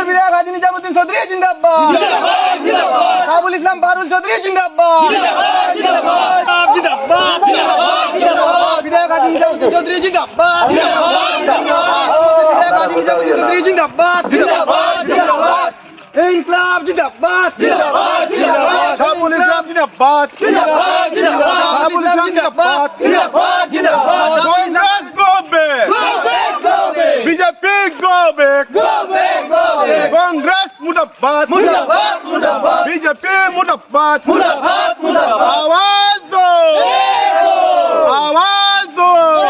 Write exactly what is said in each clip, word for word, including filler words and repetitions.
সাবুরের বিধায়ক হাজী নিজামুদ্দিন চৌধুরী জিন্দাবাদ জিন্দাবাদ জিন্দাবাদ সাবুল ইসলাম বারুল চৌধুরী জিন্দাবাদ জিন্দাবাদ জিন্দাবাদ জিন্দাবাদ জিন্দাবাদ বিধায়ক হাজী নিজামুদ্দিন চৌধুরী জিন্দাবাদ জিন্দাবাদ জিন্দাবাদ বিধায়ক হাজী নিজামুদ্দিন চৌধুরী জিন্দাবাদ জিন্দাবাদ জিন্দাবাদ ইনকলাব জিন্দাবাদ জিন্দাবাদ জিন্দাবাদ সাবুল ইসলাম জিন্দাবাদ জিন্দাবাদ জিন্দাবাদ সাবুল ইসলাম জিন্দাবাদ জিন্দাবাদ জিন্দাবাদ Congress go back. Go back, go back. B J P go back. Go back, go back. Congress mudabbat. मुर्दाबाद मुर्दाबाद B J P mudabbat. मुर्दाबाद मुर्दाबाद आवाज दो. आवाज दो.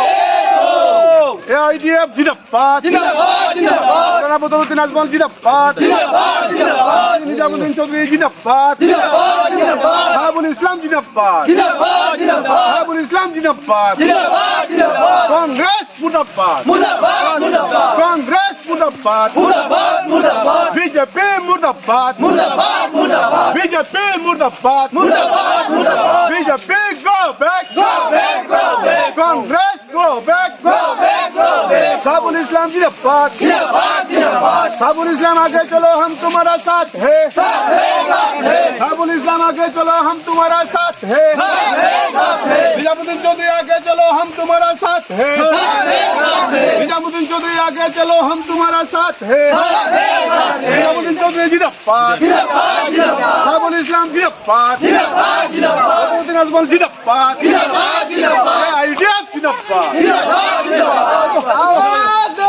A I D F जिंदाबाद. जिंदाबाद जिंदाबाद राणा बदरुद्दीन आजमल जिंदाबाद. जिंदाबाद जिंदाबाद निजामुद्दीन चौधरी जिंदाबाद. जिंदाबाद जिंदाबाद साबुल इस्लाम जिंदाबाद. जिंदाबाद जिंदाबाद साबुल इस्लाम जिंदाबाद. जिंदाबाद जिंदाबाद कांग्रेस मुर्दाबाद. मुर्दाबाद मुर्दाबाद कांग्रेस मुर्दाबाद. मुर्दाबाद मुर्दाबाद B J P मुर्दाबाद. मुर्दाबाद मुर्दाबाद B J P मुर्दाबाद. मुर्दाबाद मुर्दाबाद B J P go back. Go back, go back. Congress go back. Go back, go back. साबुल इस्लाम जिंदाबाद. जिंदाबाद जिंदाबाद साबुल इस्लाम आगे चलो हम तुम्हारा साथ है. साथ है साथ है साबुल इस्लाम आगे चलो हम तुम्हारा साथ है. साथ है साथ है निजामुद्दीन चौधरी आगे चलो हम तुम्हारा साथ है. साथ है साथ है निजामुद्दीन चौधरी आगे चलो हम तुम्हारा साथ है. साथ है साथ है निजामुद्दीन चौधरी जिंदाबाद. जिंदाबाद जिंदाबाद साबुल इस्लाम जिंदाबाद. जिंदाबाद जिंदाबाद बदरुद्दीन आजमल जिंदाबाद. जिंदाबाद जिंदाबाद I D F जिंदाबाद. जिंदाबाद जिंदाबाद आवाज दे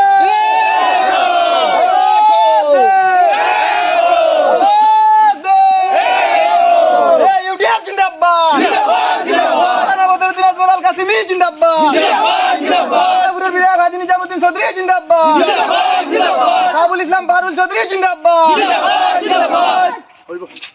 आवाज दे ए यूटीएफ जिंदाबाद जिंदाबाद जिंदाबाद राणा बदरुद्दीन आजमल अल कासिमी जिंदाबाद जिंदाबाद जिंदाबाद साबुरेर বিধায়ক হাজী নিজামুদ্দিন চৌধুরী जिंदाबाद जिंदाबाद जिंदाबाद साबुल इस्लाम बारुल चौधरी जिंदाबाद जिंदाबाद जिंदाबाद